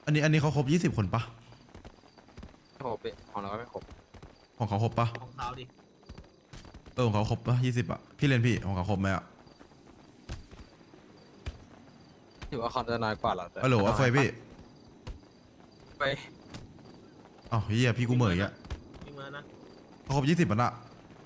อันนี้เขาครบ20 คนปะไม่ครบของเราก็ไม่ครบของเขาครบปะของเขาดิของเขาครบปะ20อะพี่เล่นพี่ของเขาครบไหมอะถือว่าเขาจะน้อยกว่าเราแต่ฮัลโหลเฟยพี่ไปอ้าวเฮียพี่กูเหมยอะมีมานะเขาครบ20มันอะ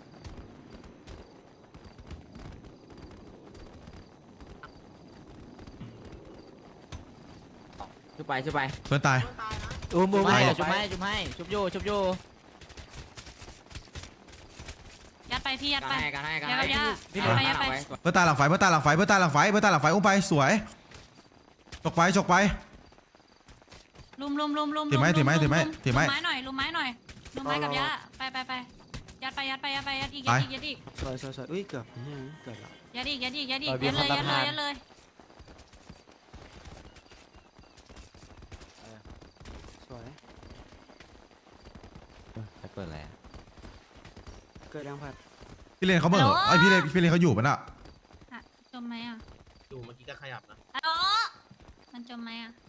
ชุบไปชุบไปเพื่อนตายอุ้มไปให้ชุบให้ชุบให้ชุบอยู่ยัดไปพี่ยัดกันไปให้กันให้กันยัดให้ไปยัดพี่ยัดไปยัดไปเพื่อนตายหลังไฟเพื่อนตายหลังไฟเพื่อนตายหลังไฟเพื่อนตายหลังไฟอุ้มไปสวยฉกไปลุมถือไม้ถือไม้ถือไม้ถือไม้ลุมไม้หน่อยลุมไม้หน่อยลุมไม้กับยัดไปยัดไปยัดอีกไปยัดอีกสวยอุ้ยเกือบเกือบแล้วยัดอีกยัดเลยสวยเปิดอะไรเกิดยังผัดพี่เลนเขาเหมอไอพี่เลนเขาอยู่ปะน่ะจมไหมอ่ะอยู่เมื่อกี้ก็ขยับนะฮัลโหลมันจมไหมอ่ะ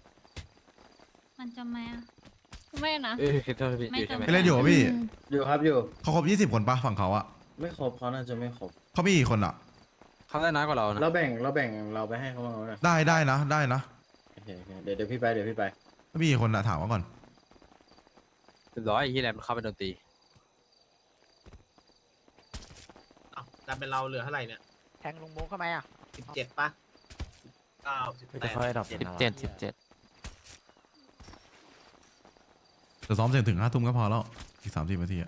ไม่นะเธอพี่อยู่ใช่ไหมพี่เลนอยู่ปะพี่อยู่ครับอยู่เขาครบ20 คนปะฝั่งเขาอะไม่ครบเขาน่าจะไม่ครบเขามีกี่คนอะเขาได้น้อยกว่าเรานะเราแบ่งเราไปให้เขาบ้างไหมได้นะโอเคเดี๋ยวพี่ไปเขามีกี่คนอะถามมาก่อนร้อยที่แรมเข้าไปโดนตีอ้าวแต่เป็นเราเหลือเท่าไหร่เนี่ยแทงลุงโมเข้ามาอ่ะ 17ปะ9 จะค่อยดับ 18 17 เดี๋ยวซ้อมเสร็จถึง5 ทุ่มก็พอแล้วอีก30 นาทีอะ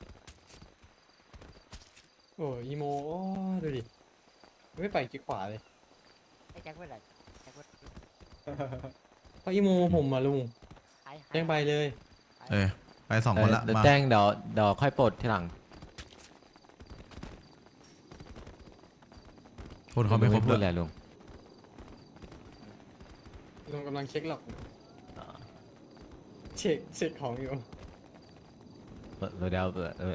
โอ้อีโมโอ้ดูดิไม่ไปกิ๊กขวาเลยไอ้แจ็คเป็นไรแจ็คเป็นเพราะอีโมผมมาลุงแจ้งไปเลยไป2 คนละมาแจ้งเดี๋ยวค่อยปลดทีหลังคนเขาไม่ครบพูเลดอะไรยลุงลุงกำลังเช็คหรอกเช็คของอยู่เดี๋ยว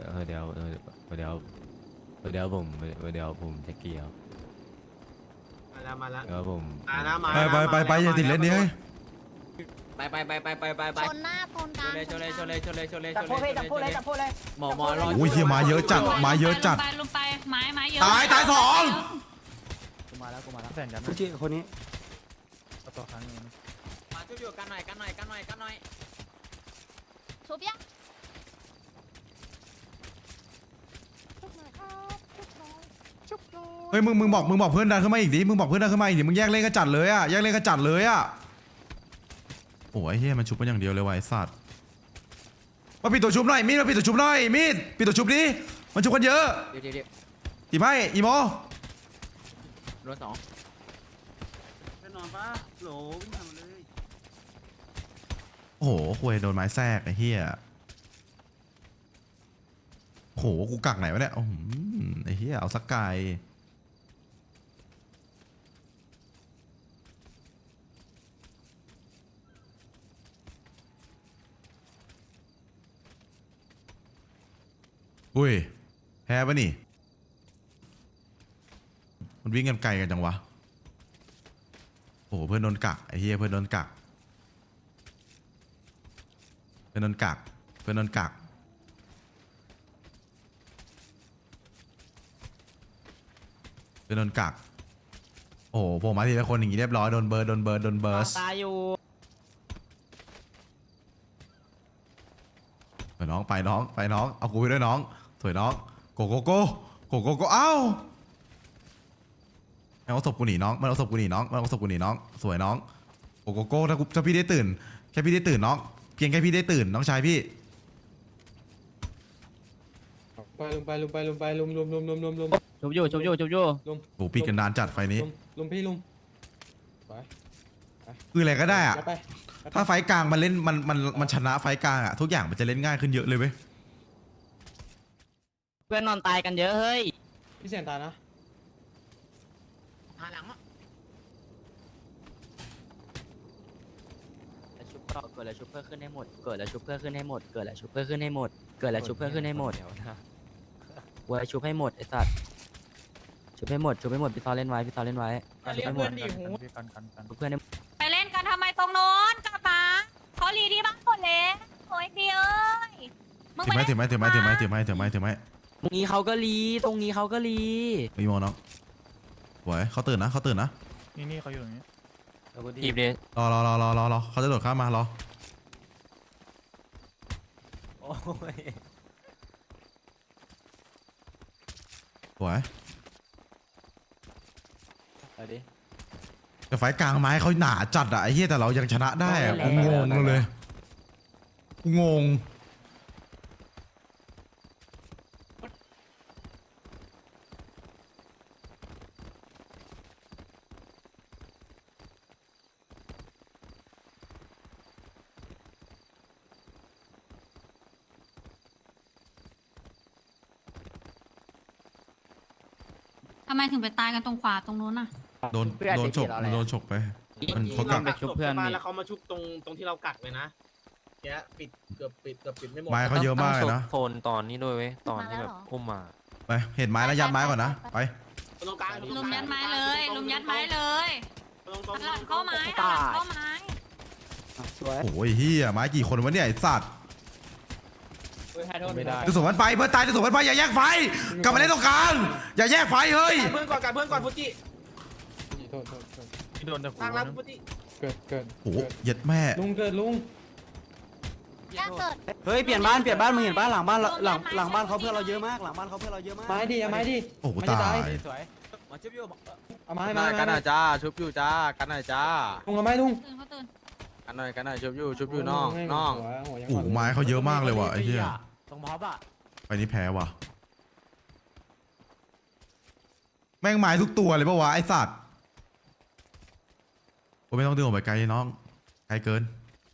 ผมจะเกี่ยวมาแล้วเดี๋ยวผมไปอย่าติดเล่นนี้เฮ้ยไปชนหน้าชนกลางชนเลยจับพูดเลยหมอรอโอ้ยเฮียมาเยอะจัดลุมไปไม้เยอะตาย2 กูมาแล้วแฟนกันผู้ที่คนนี้มาช่วยอยู่กันหน่อยชุบยักเฮ้ยมึงบอกเพื่อนดันขึ้นมาอีกดิมึงบอกเพื่อนดันขึ้นมาอีกดิมึงแยกเล่นกระจัดเลยอะโอ้ยเฮียมันชุบกันอย่างเดียวเลยวะไอ้สัตว์มาปิดตัวชุบหน่อยมีดมาปิดตัวชุบหน่อยมีดปิดตัวชุบดิมันชุบกันเยอะเดี๋ยวตีไหมอีโมรถ2 แน่นอนปะโหลวิ่งทำเลยโอ้โหคุยโดนไม้แทรกไอ้เฮียโอ้โหกูกักไหนวะเนี่ยไอ้เฮียเอาสักไกลอุ้ยแพ้ปะนี่มันวิ่งกันไกลกันจังวะโอ้โหเพื่อนโดนกักไอ้เฮียเพื่อนโดนกักเพื่อนโดนกักเพื่อนโดนกักโอ้โหผมมาทีละคนอย่างงี้เรียบร้อยโดนเบิร์สตายอยู่น้องไปน้องเอากูไปด้วยน้องสวยน้องโกเอ้ามันเอาศพกูหนีน้องสวยน้องโกถ้าพี่ได้ตื่นแค่พี่ได้ตื่นน้องเพียงแค่พี่ได้ตื่นน้องชายพี่ไปลุมชุบอยู่โอ้ปิดกันนานจัดไฟนี้ลุมพี่ลุมไปคืออะไรก็ได้อะไปถ้าไฟกลางมันเล่นมันชนะไฟกลางอะทุกอย่างมันจะเล่นง่ายขึ้นเยอะเลยเว้ยเพื่อนนอนตายกันเยอะเฮ้ยพี่เสียนตานะหาหลังชุบเกิดแล้วชุบเพื่อขึ้นให้หมดเว้ยชุบให้หมดไอ้สัตว์ชุบให้หมดพี่ซอเล่นไว้ชุบให้หมดเพื่อนไปเล่นกันทำไมตรงโน้นกลับมาเขารีที่บ้านหมดเลยโอ้ยพี่เอ้ยมึงถือไปไม้ถือไม้ถือไม้ถือไม้ถือไม้ถือไม้ถือไม้ตรงนี้เขาก็รีตรงนี้เขาก็รีอีโมน้องสวยเขาตื่นนะเขาตื่นนะนี่เขาอยู่ตรงนี้ทีบเลยรอเขาจะโดดข้ามมารอโอ้ยสวยเอาดิแต่ไฟกลางไม้เขาหนาจัดอะไอ้เหี้ยแต่เรายังชนะได้อะกูงงเลยกูงงทำไมถึงไปตายกันตรงขวาตรงนู้นน่ะโดนฉกโดนฉกไปมันเขากักไปชุบเพื่อนมาแล้วเขามาชุบตรงที่เรากักเลยนะแกปิดเกือบปิดไม่หมดไม้เขาเยอะมากเลยนะโซนตอนนี้ด้วยเว้ยตอนที่แบบอุ้มมาไปเห็นไม้แล้วยัดไม้ก่อนนะไปตรงกลางลุมยัดไม้เลยลุมยัดไม้เลยตรงหันหลังเข้าไม้หันหลังเข้าไม้สวยโอ้ยเฮียไม้กี่คนวะเนี่ยไอ้สัตว์ไม่ได้จะส่งมันไปเพื่อนตายจะส่งมันไปอย่าแยกไฟกลับมาเล่นตรงกลางอย่าแยกไฟเฮ้ยเพื่อนก่อนฟูจิโทษโดนแต่ทางล่างฟูจิเกิดโอ้โหเย็ดแม่ลุงเกิดลุงแยกเกิดเฮ้ยเปลี่ยนบ้านมึงเห็นบ้านหลังบ้านหลังบ้านเขาเพื่อนเราเยอะมากหลังบ้านเขาเพื่อนเราเยอะมากไม้ดิเอาไม้ดิโอ้โหมันจะตายมาชิบอยู่เอาไม้กันหมาน่อยกันหน่อยจ้าชุบอยู่จ้ากันหน่อยจ้าลุงเอาไม้ลุงตื่นเขาตื่นกันหน่อยชุบอยู่น้องน้องโอ้โหไม้เขาเยอะมากเลยว่ะไอ้เหี้ยตรงพอบอ่ะไปนี่แพ้ว่ะแม่งไม้ทุกตัวเลยปะวะไอ้สัตว์กูไม่ต้องดึงออกไปไกลน้องไกลเกิน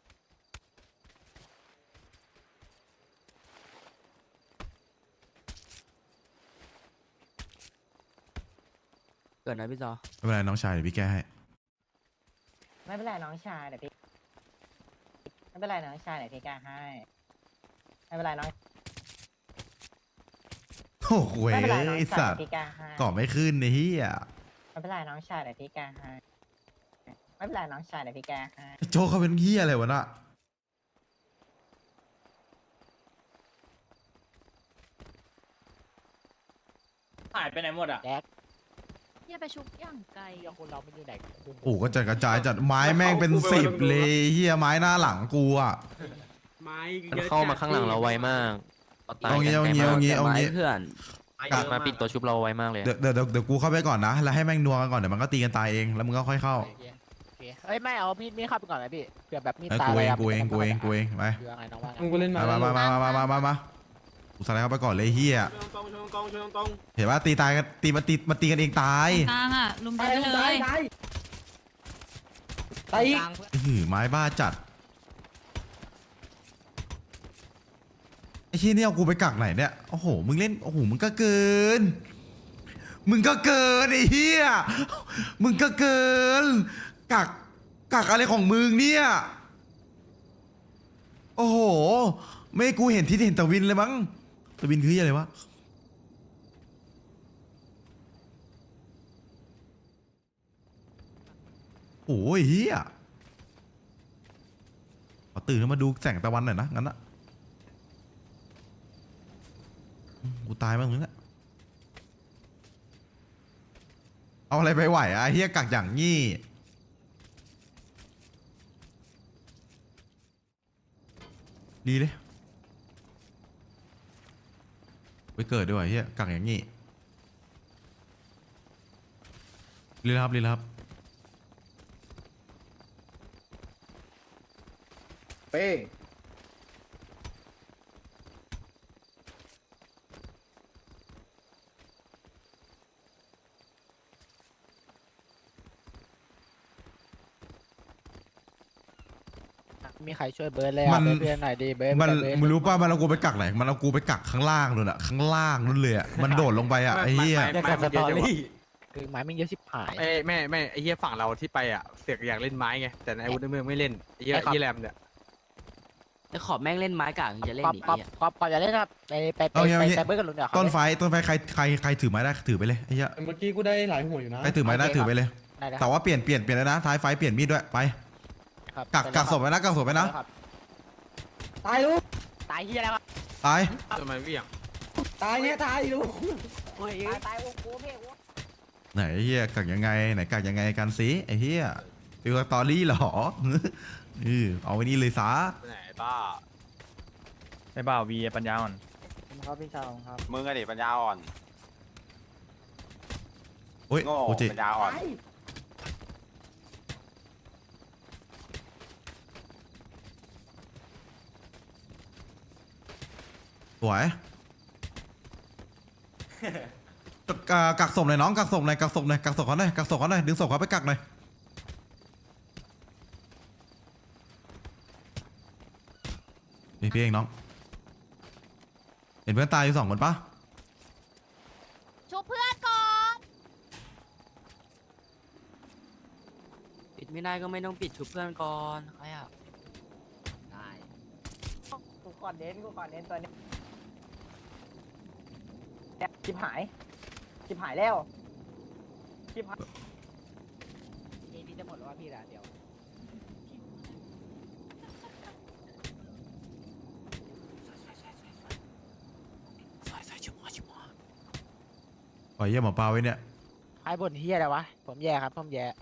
เกิดนะพี่จอไม่เป็นไรน้องชายเดี๋ยวพี่แก้ให้ไม่เป็นไรน้องชายเดี๋ยวพี่ไม่เป็นไรน้องชายเดี๋ยวพี่แก้ให้ไม่เป็นไรน้องโอ้โหไม่เป็นไรน้องไอ้ชายสัตว์เดี๋ยวพี่แก้ให้ก่อไม่ขึ้นไอ้เหี้ยไม่เป็นไรน้องชายเดี๋ยวพี่แก้ให้ไม่เป็นไรน้องชายเดี๋ยวพี่แก้ให้โจเขาเป็นเหี้ยอะไรวะน่ะหายไปไหนหมดอ่ะอย่าไปชุบย่างไกลคนเรามันอยู่ไหนโอ้โหก็จัดกระจายจัดไม้แม่งเป็น10เลยเหี้ยไม้หน้าหลังกูอ่ะไม้มันเข้ามาข้างหลังเราไวมากตายเอางี้กันเอางี้ไกลเอามากงี้เอางี้เพื่อนมาปิดตัวชุบเราไวมากเลยเดี๋ยวกูเข้าไปก่อนนะแล้วให้แม่งนัวกันก่อนเดี๋ยวมันก็ตีกันตายเองแล้วมึงก็ค่อยเข้าเฮ้ยไม่เอามีเข้าไปก่อนเลยพี่เผื่อแบบมีไอ้ตายกูเองไปคืออะไรน้องว่าลุงกูเล่นมากูสไลด์เข้าไปก่อนเลยเฮียตรงเห็นว่าตีตายกันตีมันตีกันเองตายกลางอ่ะลุมยัดไปเลยตายอีกไม้บ้าจัดไอ้ที่นี่เอากูไปกักไหนเนี่ยโอ้โหมึงเล่นโอ้โหมึงก็เกินไอ้เฮียมึงก็เกินกักอะไรของมึงเนี่ยโอ้โหไม่ให้กูเห็นที่เห็นตะวินเลยมั้งตะวินคืออะไรวะโอ้ยเฮียขอตื่นขึ้นมาดูแสงตะวันหน่อยนะงั้นนะกูตายบ้างมึงอะเอาอะไรไปไหวอะเฮียกักอย่างงี้ดีเลยไปเกิดด้วยเฮียกักอย่างงี้รีบครับเป้งมีใครช่วยเบิร์ดเลยมัอ่ะนเพื่อนหน่อยดิเบิร์ดมันเบิร์ดมึงรู้ป่ะมันเอากูไปกักไหนมันเอากูไปกักข้างล่างนู่นอะข้างล่างนู่นเลยอะมันโดดลงไปอะไอ้เหี้ยเรียกกับสตอรี่คือไม้ไม่เยอะชิบหายไม่ไอ้เหี้ยฝั่งเราที่ไปอ่ะเสือกอยากเล่นไม้ไงแต่ในอาวุธในเมืองไม่เล่นไอ้เหี้ยที่แรมเนี่ยไอ้ขอบแม่งเล่นไม้กากจะเล่นก๊อปอีกก๊อปเนี่ยก๊อปก่อนอย่าเล่นครับไปเบิร์ดกับลุงเดี๋ยวต้นไฟใครถือไม้ได้ถือไปเลยไอ้เหี้ยเมื่อกี้กูได้หลายหัวอยู่นะใครถือไม้ได้ถือไปเลย แต่ว่าเปลี่ยนแล้วนะท้ายไฟเปลี่ยนมีดด้วยไปกักศพไว้นะตายลูกตายเฮียแล้วตายทำไมวิ่งตายเนี่ยตายลูกตายโอ้โหเพ่ไหนไอ้เฮียกักยังไงไหนกักยังไงกันสิไอ้เฮียฟิวสตอรี่เหรอเอาไว้นี่เลยซะไปไหนบ้าไอ้บ่าววีปัญญาอ่อนครับพี่ชาวครับมึงอะดิปัญญาอ่อนโอ้ยโง่โอจิปัญญาอ่อนสวยกักศพหน่อยน้องกักศพหน่อยกักศพหน่อยกักศพเขาหน่อยกักศพเขาหน่อยดึงศพเขาไปกักหน่อยนี่พี่เองน้องเห็นเพื่อนตายอยู่2 คนปะชุบเพื่อนก่อนปิดไม่ได้ก็ไม่ต้องปิดชุบเพื่อนก่อนใครอ่ะได้กูก่อนเน้นตัวนี้ชิบหายแล้วชิบหายพี่จะหมดแล้วว่าพี่ละเดี๋ยวปล่อยเยี่ยหมอปลาไว้เนี่ยไอ้บนเฮียอะไรวะผมแย่ครับผมแย่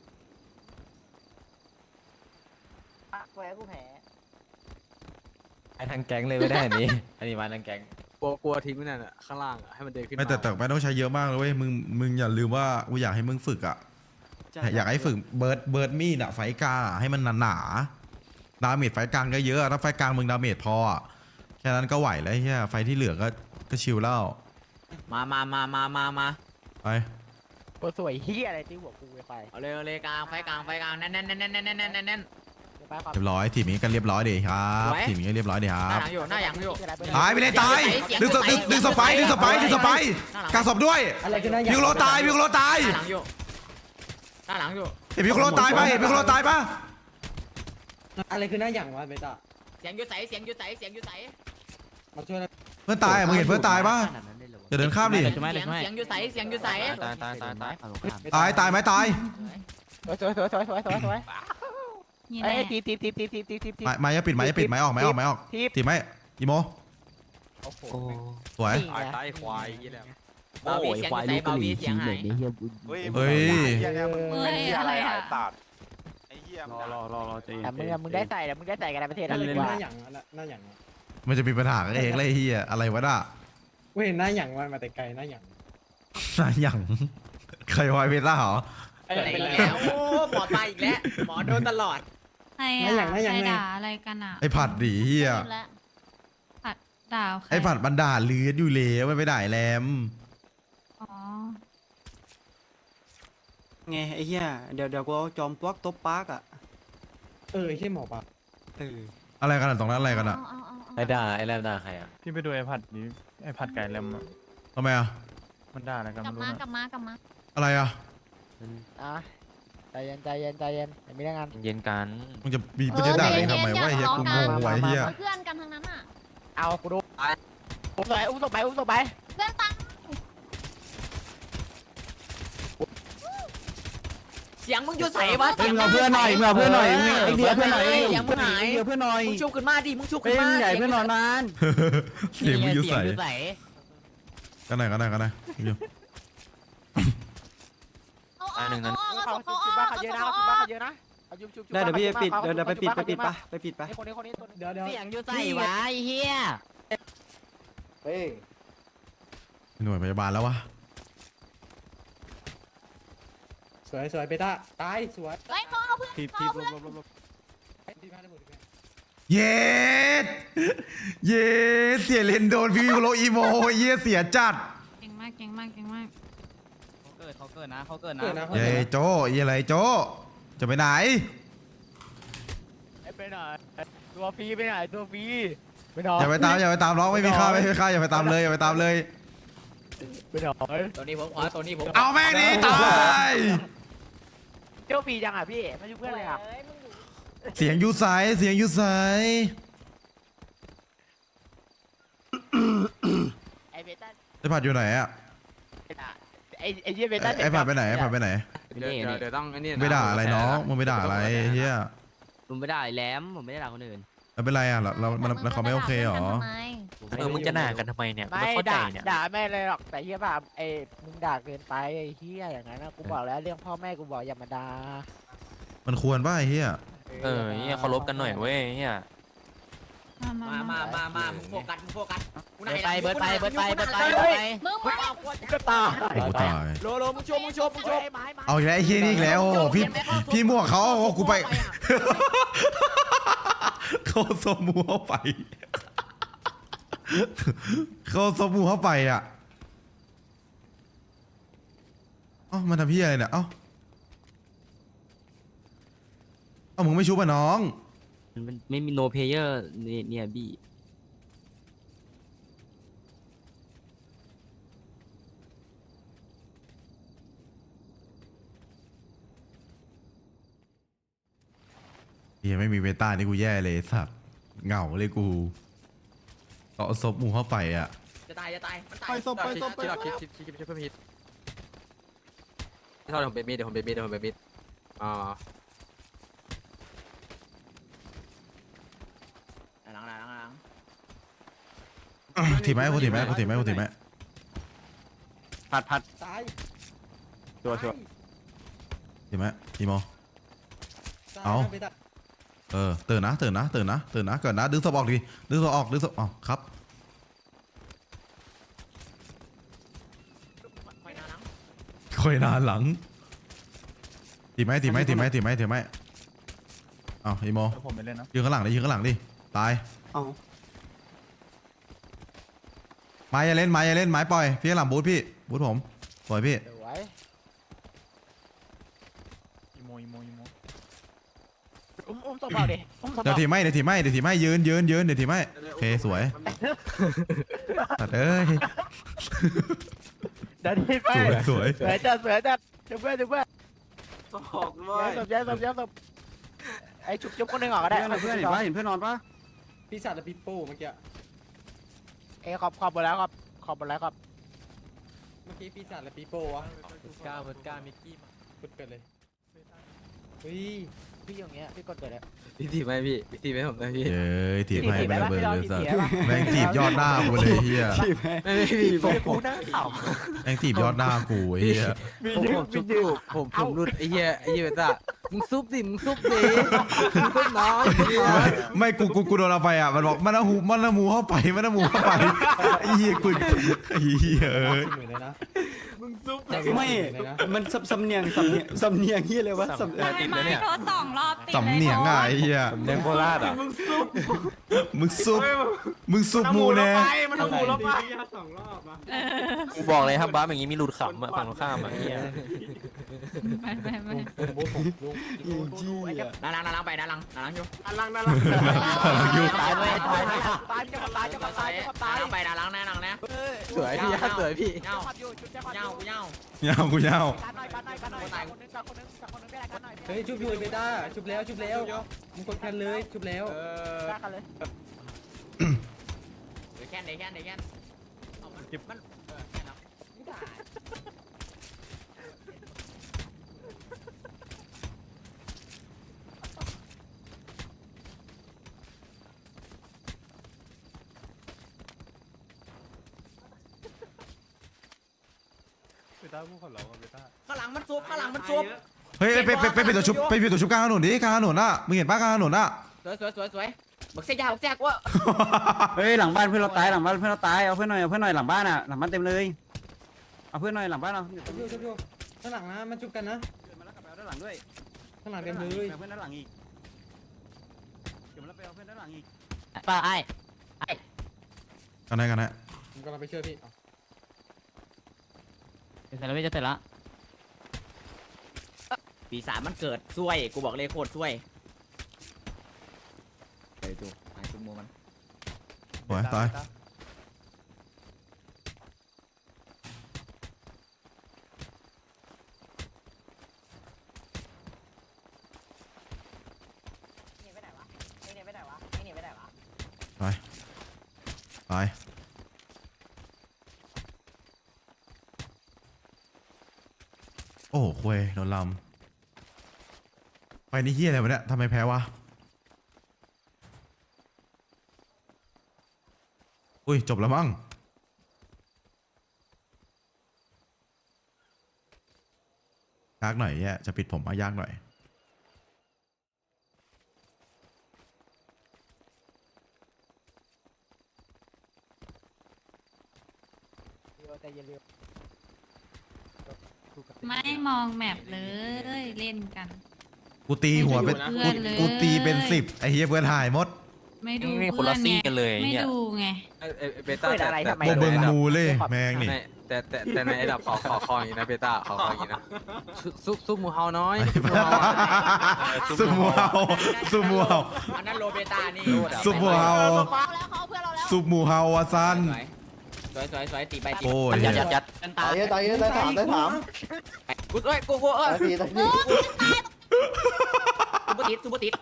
แพ้กูแพ้ไอ้ทางแก๊งเลยไม่ได้อันนี้ อันนี้มาทางแก๊งกลัวทิ้งไว้นั่นอะข้างล่างอะให้มันเดินขึ้นไม่แต่ไม่ต้องใช้เยอะมากเลยเว้ยมึงอย่าลืมว่ากูอยากให้มึงฝึกอ่ะอยากให้ฝึกเบิร์ดมีดอะไฟกลางอะให้มันหนาๆดาเมจไฟกลางก็เยอะถ้าไฟกลางมึงดาเมจพออะแค่นั้นก็ไหวแล้วเฮียไฟที่เหลือก็ชิลแล้วมาไปกูสวยเฮียอะไรที่หัวกูไปเอาเลยกลางไฟกลางแน่นเรียบร้อยทีมนี้กันเรียบร้อยดีครับสวยทีมนี้ก็เรียบร้อยดีครับหน้าหลังอยู่ตายไปเลยตายเสียงดึงศพไปกางศพด้วยอะไรกันนะพิวโรตายหน้าหลังอยู่เห็นพิวโรตายปะเห็นพิวโรตายปะอะไรคือหน้าหยั่งวะเบต้าเสียงอยู่ใสมาช่วยนะเพื่อนตายอะมึงเห็นเพื่อนตายปะอย่าเดินข้ามดิเสียงอยู่ใสตายไหมตายสวยนี่ไอ้แน่ทีไม้อย่าปิดไม้ออกทีไม้อีโมโอ้โหสวยตายใต้ควายยี่แหละเบาบีเสียงอยู่ใสเบาบีเสียงหายเฮ้ยเฮ้ยเหี้ยเนี่ยมึงเฮ้ยเหี้ยอะอะไร ไรอะไอ้สัตว์ไอ้เหี้ยรอใจเย็นแต่มึงได้ใส่แล้วมึงได้ใส่กันในประเทศอะแล้วไรดีคืกอหว่าน้าหยั่งหน้าหยั่งมันจะมีปัญหากันเองเลยเฮียอะไรวะน่ะเว้ยหน้าหยั่งมันมาแต่ไกลหน้าหยั่งน่าอย่างใครวายเวล่าเหรออะไรอีกแล้วโอ้หมอตายอีกแล้วหมอโดนตลอดใครอะใครด่าอะไรกันอะไอ้ผัดดีเฮียผัดด่าใครไอ้ผัดบันดาเลือดอยู่แล้วไม่ไปด่าแรมอ๋อไงไอ้เหี้ยเดี๋ยวกูเอาจอมปลวกตบปากอ่ะไอ้เหี้ยหมอปลาอะไรกันอะตรงนั้นอะไรกันอะไอ้ด่าไอ้แรมด่าใครอ่ะพี่ไปดูไอ้ผัดนี้ไอ้ผัดไก่แรมอะทำไมอะมันด่าอะไรกันกลับไม่รู้มานะกลับมากลับมาอะไรอะใจเย็นอย่ามีเรื่องงานเย็นกันมึงจะมีประเด็นด่าเองทำไมวะไอ้เฮียกูงงไว้เฮียเพื่อนกันทั้งนั้นอะเอากูดูอุ้มศพไปเพื่อนตังเสียงมึงอยู่ใสวะมึงเอาเพื่อนหน่อยมึงเอาเพื่อนหน่อยมึงไอ้เดียเพื่อนหน่อยเสียงมึงหายเดียเพื่อนหน่อยมึงชุบขึ้นมาดิมึงชุบเป็ขึ้นนมาใหญ่เพื่อนหน่อยนานเสียงมึงอยู่ใส่เสีงใสกันไหนอยู่เอาเอาเขาเอาชุบบ้านเขาเยอะนะเขาชุบบ้านเขาเยอะนะเอาชุบได้เดี๋ยวพี่ไปปิดเดี๋ยวไปปิดไปปิดไปคนนี้ตัวนึงเดี๋ยวเสียงอยู่ใสวะไอ้เหี้ยเฮ้ยหน่วยพยาบาลแล้ววะสวยเบต้าตายสวยเฮ้ยเขาเอาเพื่อนทีเขาเอาเพื่อนลบเย็ดเสียเลนโดนพี่โรอีโมเยี่ยเสียจัดเก่งมากเขาเกิดนะเย้โจอะไรโจจะไปไหนไปไหนตัวฟรีไปไหนตัวฟรีไปไหนอย่าไปตามน้องไม่มีค่าอย่าไปตามเลยไปไหนตัวนี้ผมขอตัวนี้ผมเอาแม่งนี่ตายเจ้าฟรีจังอ่ะพี่ไม่ช่วยเพื่อนเลยอ่ะเสียงยูไซส์ไอเบต้าไอ้ผัดอยู่ไหนอะไอเยี่ยเบต้าไอ้ผัดไปไหนเดี๋ยวต้องไอ้นี่ไม่ด่าอะไรน้องมึงไม่ด่าอะไรเฮียผมไม่ได้แหลมผมไม่ได้ด่าคนอื่นแล้วเป็นไรอ่ะแล้วเขาไม่โอเคเหรอมึงจะด่ากันทำไมเนี่ยไม่เข้าใจเนี่ยด่าแม่เลยหรอกแต่เฮียแบบมึงด่าเกินไปไอ้เฮียอย่างนั้นนะกูบอกแล้วเรื่องพ่อแม่กูบอกอย่ามาด่ามันควรป่ะไอ้เหี้ยเนี่ยเคารพกันหน่อยเว้ยเนี่ยมามึงโฟกัสกูไหนเบิร์ดไปมึงมาก็ตายกูตายโลมึงโชว์เอาอีกแล้วไอ้เหี้ยนี่อีกแล้วโอ้โหพี่มั่วเขาเอากูไป เขาสมูเข้าไป เขาสมูเข้าไปอ่ะเอ้ามันทำพี่อะไรเนี่ยเอ้ามึงไม่ชุบอ่ะน้องมันไม่มีโนเพเยอร์เนี่ยบี้เฮียไม่มีเบต้านี่กูแย่เลยสัตว์เหงาเลยกูต่อศพหมูเข้าไปอ่ะจะตายมันตายไปศพไปศพไปที่เราคิดเพื่อพีทที่เราผมเป็นมีดเดี๋ยวผมเป็นมีดอ่าหลังถีบไหมกูถีบไหมพัดตายชัวร์ถีบไหมอีโมตายเอาไปตัดตื่นนะเกิดนะดึงศพออกดิดึงศพอ๋อครับ ค่อยนานหลังถีบไหมเอาอีโมผมไปเล่นนะยืนข้างหลังดิตายเอาไม้อย่าเล่นไม้ปล่อยพี่ข้างหลังบูทผมปล่อยพี่สวยอีโมอุ้มศพเอาดิอุ้มศพเดี๋ยวถีบไม่ยืนเดี๋ยวถีบไม่โอเคสวยตัดเอ้ยเดี๋ยวทีไปสวยสวยจัดเดี๋ยวเพื่อนย้ายศพไอ้จุบคนหนึ่งออกก็ได้เพื่อนเห็นเพื่อนนอนปะปีศาจและปีโป้เมื่อกี้เอ้ขอบหมดแล้วครับเมื่อกี้ปีศาจและปีโป้วะก้ามิกกี้กดเกิดเลยเฮ้ยพี่อย่างเงี้ยพี่กดเกิดแล้วพี่ถีบไหมผมนะพี่เย้ยถีบให้ถีบไม่ได้ระปะเบิดพี่ลองเลยสัสถีบได้ปะแม่งถีบยอดหน้ากูเลยเฮียไม่พี่ผมกูนั่งเข่าแม่งถีบยอดหน้ากูเฮียผมชุบอยู่ผมรุดไอ้เหี้ยเบต้ามึงซุบดิมึงซุบน้อยไม่กูโดนเอาไปอ่ะมันบอกมันเอาหมูเข้าไปไอ้เฮียกูไอ้เฮียเอ้ยเหมือนเลยนะไม่ มันสำเนียงเฮียเลยวะสำเนียงไม่โทษ2 รอบติดเลยสำเนียงอ่ะไอ้เฮียเล่นโคราชอ่ะมึงซุบหมูแน่มันเอาหมูเราไปกูบอกเลยครับบ้าอย่างงี้มีหลุดขำอ่ะฝั่งตรงข้ามอ่ะเนี่ยไปบูทผมลุงอีจี้อ่ะนาลังไปนาลังอยู่อันลังอยู่ตายไปนาลังนะสวยพี่สวยพี่เงากูเงาเงากูเงากันหน่อยตายคนนึงไม่ได้กันหน่อยเฮ้ยชุบอยู่เบต้าชุบแล้วมึงกดแคนเลยชุบแล้วฆ่ากันเลยเดี๋ยวแค่มันแค่นั้นไม่ได้ ข้างหลังมันซุบเฮ้ยไปปิดตัวชุบกลางถนนดิกลางถนนอ่ะมึงเห็นป้ากลางถนนอ่ะสวยบักเสียยาบักเสียกว่าเฮ้ยหลังบ้านเพื่อนเราตายเอาเพื่อนหน่อยหลังบ้านอ่ะหลังบ้านเต็มเลยเอาเพื่อนหน่อยหลังบ้านเอาชุบอยู่ข้างหลังนะมันชุบกันนะมาแล้วกลับไปเอาด้านหลังด้วยข้างหลังเต็มเลยเพื่อนด้านหลังอีกเดี๋ยวมาแล้วไปเอาเพื่อนด้านหลังอีกป้าไอ้กันไหนผมกำลังไปช่วยพี่เสร็จแล้วไม่จะเสร็จละปีศาจมันเกิดซวยกูบอกเลยโคตรซวยเฮ้ยดูไอ้ซุมโมมันสวยตายตายโอ้โหคุยโดนลำไปนี่เฮียอะไรวะเนี่ยทำไมแพ้วะอุ้ยจบแล้วมั้งยากหน่อยเนี่ยจะปิดผมมายากหน่อยไม่มองแมปเลยเล่นกันกูตีหัวเป็นไม่ดูเพื่อนเลยกูตีเป็น10ไอ้เหี้ยเพื่อนหายหมดไม่ดูนี่คนเพื่อละนซี่ไงกันเลยไม่เนี่ยดูไงเบต้าเปิดอะไรทำไมโบเบิงมูเลยแมงนี่แต่ในไอ้ดับขออย่างนี้นะเบต้าขออย่างนี้นะซุปหมูเฮาน้อยซุปหมูเฮาซุปหมูเฮาอันนั้นโรเบต้านี่ซุปหมูเฮาซุปหมูเฮาอะซันสวยตีไปตีโอ้ยยัดยัดยัดตายตายได้ถามได้ถามกูเอ้ยกูเอ้ยตีตีซูเปอร์ติดซูเปอร์ติด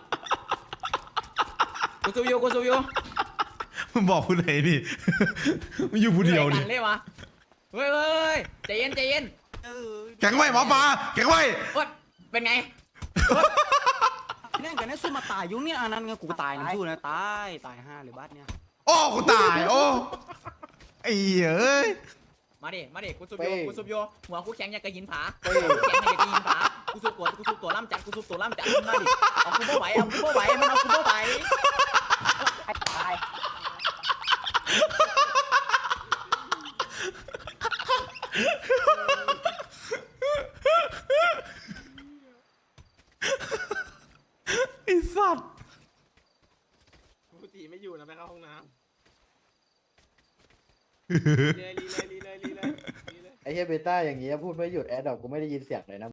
กูซูยูมึงบอกผู้ใดนี่ มึงอยู่ผู้เดียวนี่เลยวะเฮ้ยใจเย็นใจเย็นแข็งไว้หมอปลาแข็งไว้เป็นไงเนี่ยกันเนี่ยสู้มาตายยุ่งเนี่ยอันนั้นไงกูตายนะสู้นะตาย5เลยบัสเนี่ยโอ้กูตายโอ้ไอ้เอ้ยมาดิกูซูบโยหัวกูแข็งอย่างกระหินผาแข็งอย่างกระหินผากูซูบตัวล่ำจัดมาดิเอากูบ่ไหวมันเอากูบ่ไหวตายไอ้สัตว์กูตีไม่อยู่นะไปเข้าห้องน้ำรีเลยไอ้เหี้ยเบต้าอย่างเงี้ยพูดไม่หยุดแอดดอกกูไม่ได้ยินเสียงเลยนะ